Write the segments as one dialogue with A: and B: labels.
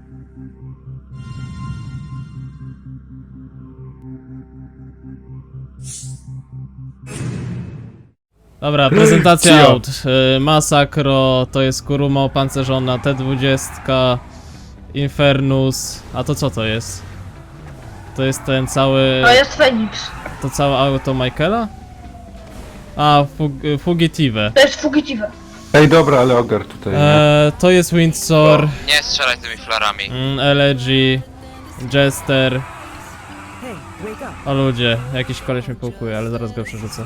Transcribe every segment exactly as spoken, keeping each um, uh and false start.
A: Dobra, prezentacja aut. Y, Masakro, to jest Kuruma opancerzona, T dwadzieścia, Infernus, a to co to jest? To jest ten cały...
B: To jest Feniks.
A: To całe auto Michaela? A, fug, Fugitive.
B: To jest Fugitive.
C: Ej, dobra, ale ogar tutaj, nie?
A: E, to jest Windsor,
D: Nie strzelaj tymi flarami.
A: mm, Elegy, Jester. O ludzie, jakiś koleś mnie połkuje, ale zaraz go przerzucę.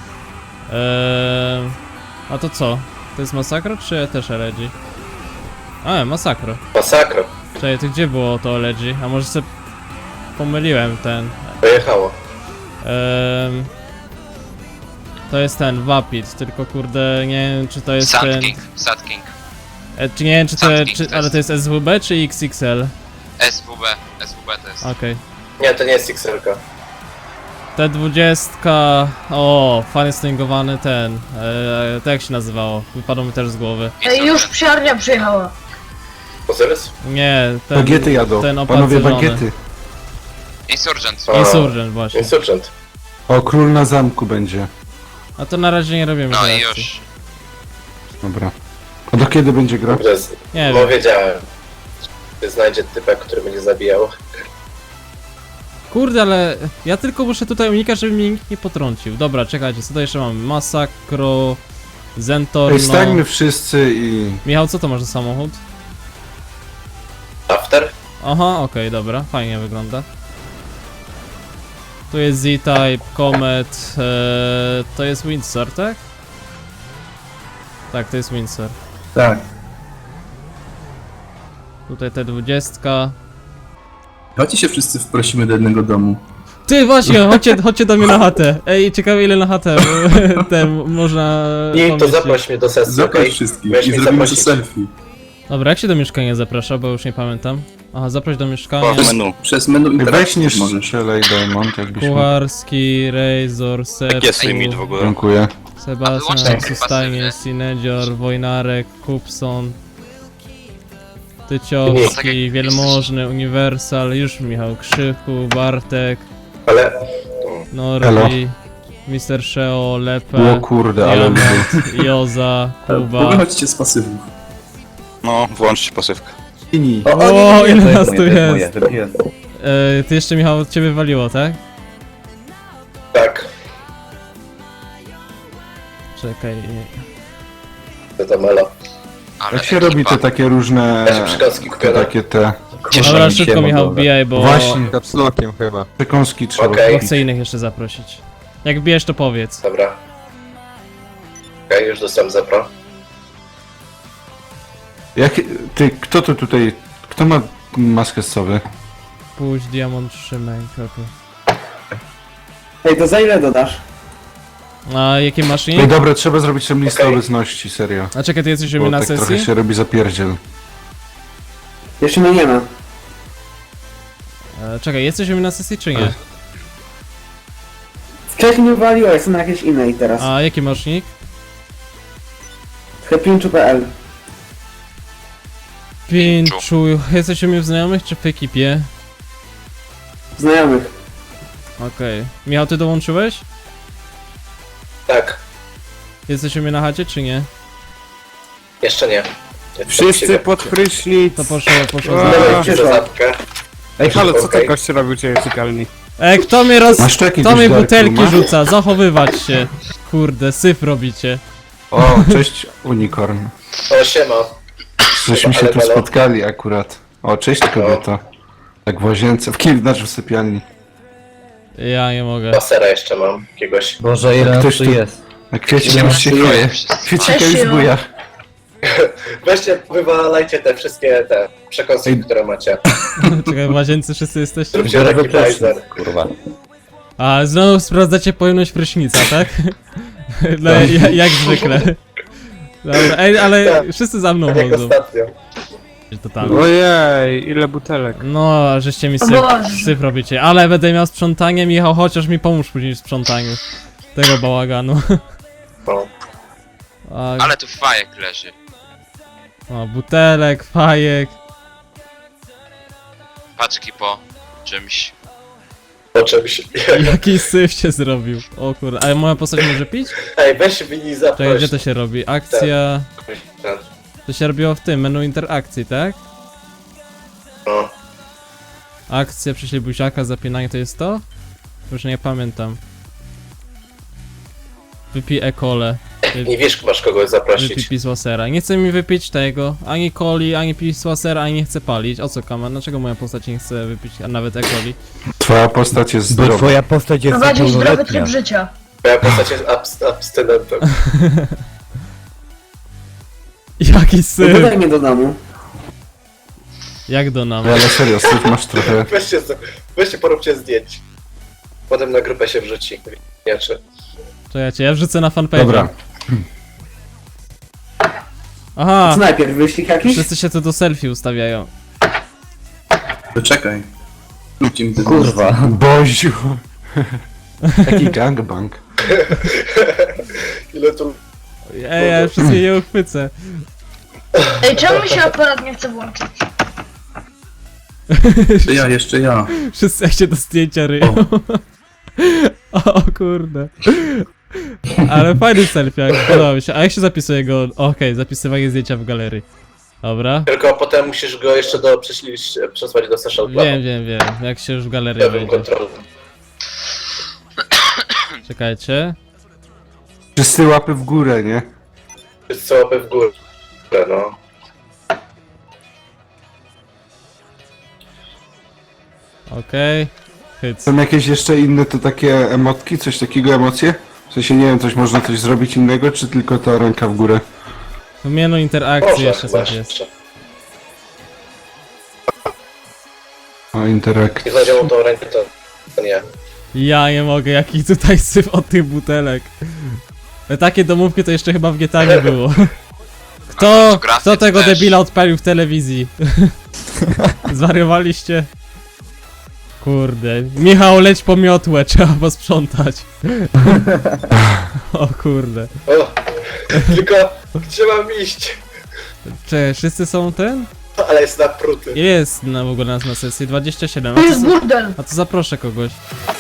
A: Eee, a to co? To jest Masakro czy też Elegy? A, Masakro.
E: Masakra.
A: Czekaj, to gdzie było to Elegy? A może sobie pomyliłem ten.
E: Pojechało.
A: Eee, to jest ten Vapid, tylko kurde nie wiem czy to jest
D: Sand
A: ten...
D: King, Sand King.
A: E, czy nie wiem czy to,
D: Sand King
A: czy,
D: to
A: ale
D: jest.
A: to jest S W B czy X X L?
D: S W B, S W B to jest.
A: Okej.
E: Nie, to nie jest X L ka.
A: T dwadzieścia... O, fajnie stingowany ten... Eee, to jak się nazywało? Wypadło mi też z głowy.
B: Ej, już psiarnia przyjechała.
E: Ozyrys?
A: Nie, ten...
C: Bagiety jadą,
A: ten
C: panowie,
A: opancerzony.
C: bagiety.
D: Insurgent.
E: A.
A: Insurgent właśnie.
E: Insurgent.
C: O, król na zamku będzie.
A: A to na razie nie robimy
D: No i
A: reakcji.
D: już.
C: Dobra. A do kiedy będzie gra?
E: Dobrze, z...
A: Nie
E: no
A: wiem.
E: wiedziałem. Że znajdzie typek, który będzie zabijał.
A: Kurde, ale ja tylko muszę tutaj unikać, żeby mnie nikt nie potrącił. Dobra, czekajcie, co tutaj jeszcze mamy? Masakro... Zentorno...
C: Ej, stańmy wszyscy i...
A: Michał, co to masz za samochód?
E: After?
A: Aha, okej, dobra, fajnie wygląda. Tu jest Z-Type, Comet, ee, to jest Windsor, tak? Tak, to jest Windsor.
F: Tak.
A: Tutaj T dwadzieścia.
F: Chodźcie się wszyscy wprosimy do jednego domu.
A: Ty właśnie, chodźcie, chodźcie do mnie na chatę. Ej, ciekawe ile na chatę te można...
E: Nie, to
A: pomieścić.
E: zaproś mnie do sesji,
F: Zaproś
E: okej?
F: wszystkich
E: Weź
F: i
E: mnie
F: zrobimy to
E: zaprosić.
F: selfie.
A: Dobra, jak się do mieszkania zaprasza, bo już nie pamiętam. Aha, zaproś do mieszkania.
F: Przez menu. Przez menu
C: Weź
F: interakcji
C: nie
F: możesz.
C: strzelaj, Diamond, jakbyś mógł.
A: Kucharski, Razor, Sercu,
D: jest limit w ogóle?
C: Dziękuję.
D: A wyłączcie
A: Sebastian,
D: chyba
A: Sustajnie,
D: sobie.
A: Sinedzior, Wojnarek, Kupson,
D: Tak
A: Tyciowski,
D: jak-
A: Wielmożny, Uniwersal, już Michał Krzyku, Bartek,
E: Ale...
A: Norbi, mister Sheo, Lepe,
C: O kurde, ale lubię.
A: Diamond, Joza, Kuba.
F: Wychodźcie z pasywów.
G: No, włączcie pasywkę.
C: Inni.
A: O, ile
H: to
A: nas
H: jest
A: tu
H: moje, to
A: jest?
H: jest moje, to jest moje.
A: E, ty jeszcze Michał od ciebie waliło, tak?
E: Tak.
A: Czekaj.
E: To to melo.
D: Ale
C: Jak się
D: ekipa.
C: robi te takie różne...
E: Ja się przekąski
C: te
E: kupię,
C: takie te...
D: Cieszę
A: Dobra,
H: mi się,
A: szybko Michał
H: dobra.
A: wbijaj, bo,
C: Właśnie,
G: Kapslokiem chyba.
C: przekąski trzeba
E: Okej.
A: bo
C: kupić.
A: chcę innych jeszcze zaprosić. Jak wbijesz to powiedz.
E: Dobra. Okej, już dostałem zapro.
C: Jak... Ty, kto to tutaj... Kto ma maskę z sowy?
A: Pójdź Diamond trzymaj kroku.
H: Ej, to za ile dodasz?
A: A jakie masz
C: Ej,
A: nick?
C: dobra, trzeba zrobić tam listę
E: Okej.
C: obecności, serio.
A: A czekaj, ty jesteś u
C: Bo
A: mnie na
C: tak
A: sesji?
C: trochę się robi zapierdziel.
H: Jeszcze mnie nie ma.
A: E, czekaj, jesteś u mnie na sesji czy nie?
H: Wcześniej mnie waliło, jestem na jakiejś innej teraz.
A: A jaki masz nick?
H: Happyinchu kropka p l.
A: Pięciu. Jesteś u mnie w znajomych czy w ekipie?
H: Znajomych.
A: Okej. Michał, ty dołączyłeś?
E: Tak.
A: Jesteś u mnie na chacie czy nie?
E: Jeszcze nie.
G: Wszyscy pod prysznic.
A: To poszło, poszło.
G: A.
A: za-
E: Dawaj ci za zapkę.
G: Ej, halo, co
E: Okej.
G: ty goście robił u ciebie w sypialni?
A: Ej, kto mnie roz...
C: Masz tu jakieś
A: Kto mi
C: Dark
A: butelki
C: Rooma?
A: rzuca? Zachowywać się. Kurde, syf robicie.
C: O, cześć Unicorn.
E: O, siema.
C: Żeśmy się
E: Ale
C: tu
E: melo.
C: spotkali akurat. O, cześć kobieto. Tak w łazience, w kim, znaczy w sypialni.
A: Ja nie mogę.
E: Pasera jeszcze mam. Jakiegoś.
H: Boże,
C: ile nas tu
H: jest?
C: A kwiecik już się chuje. Kwiecika już
B: Cześć,
C: buja.
E: Weźcie, wywalajcie te wszystkie te przekąski,
C: Ej.
E: które macie.
A: Czekaj, w łazience wszyscy jesteście?
E: Zróbcie taki blazer.
H: Kurwa.
A: A znowu sprawdzacie pojemność prysznica, tak? No, ja, jak zwykle. Dobra, ej, ale
E: Tak.
A: wszyscy za mną
E: Tak jak
A: chodzą.
E: ostatnio.
A: Totalnie.
G: Ojej, ile butelek.
A: No, żeście mi syf,
B: Boże.
A: syf robicie. Ale będę miał sprzątanie, Michał, chociaż mi pomóż później w sprzątaniu. Tego bałaganu.
E: No.
A: A,
D: Ale tu fajek leży.
A: o, butelek, fajek.
D: paczki po czymś.
E: O czymś.
A: Jaki syf się zrobił. O kurde, ale moja postać może pić?
E: Ej, weź mini zaproś.
A: Czekaj, gdzie to się robi? Akcja...
E: Ten,
A: To się robiło w tym, menu interakcji, tak?
E: No.
A: Akcja, przyślij buziaka, zapinanie, to jest to? Już nie pamiętam. Wypij e-kole.
E: Nie wiesz, masz kogoś
A: Wypij
E: zaprosić.
A: pisłasera. Nie chce mi wypić tego, ani coli, ani pisłasera, ani nie chce palić. O co kaman? Dlaczego moja postać nie chce wypić, a nawet e-coli?
C: Twoja postać jest
I: Bo
C: zdrowa.
I: twoja postać jest
B: Prowadzić zdrowy
I: niepełnoletnia.
B: tryb życia.
E: Moja postać jest abs abstynentem.
A: Jaki
H: No
A: syf!
H: dodaj mnie do domu.
A: Jak do nam?
C: No, ale serio, syf masz trochę...
E: Weźcie, z- weźcie poróbcie zdjęć. Potem na grupę się wrzuci. Nie czy.
A: Czekajcie, ja wrzucę na fanpage.
C: Dobra.
A: Aha!
H: Co najpierw, wyścig jakiś?
A: Wszyscy się tu do selfie ustawiają.
F: To czekaj. Róbcie mi ten
I: Kurwa.
C: Boziu. Taki gangbang.
E: Ile tu...
A: Ej, ja wszystkie je uchwycę.
B: Ej, czemu mi się aparat nie chce włączyć?
F: Jeszcze ja, jeszcze ja.
A: Wszyscy jak się do zdjęcia ryją. O kurde. Ale fajny selfie, jak podoba mi się. A jak się zapisuje go? Okej, zapisywanie zdjęcia w galerii. Dobra.
E: Tylko potem musisz go jeszcze do prześlić, przesłać do social clubu.
A: Wiem, wiem, wiem. Jak się już w galerii
E: Ja bym
A: wejdzie.
E: kontrolę.
A: Czekajcie.
C: Wszyscy łapy w górę, nie?
E: Wszyscy łapy w górę, no.
A: Okej. Hyc.
C: Są jakieś jeszcze inne to takie emotki? Coś takiego, emocje? W sensie nie wiem, coś można coś zrobić innego, czy tylko ta ręka w górę?
A: W menu interakcji
E: Może
A: jeszcze
E: chyba
A: coś jest.
E: jeszcze.
C: O, interakt.
E: Jak znajdziemy tą rękę, to, to nie.
A: Ja nie mogę, jaki tutaj syf od tych butelek. Ale takie domówki to jeszcze chyba w G T A nie było. Kto,
D: fotografię
A: kto tego
D: też.
A: debila odpalił w telewizji? Zwariowaliście? Kurde. Michał, leć po miotłę, trzeba posprzątać. O kurde.
E: O, tylko gdzie mam iść?
A: Czy wszyscy są ten?
E: Ale jest napruty.
A: Ile jest na, w ogóle nas na sesji? dwadzieścia siedem. A
B: To
A: to,
B: jest
A: za-
B: burdel.
A: a to zaproszę kogoś.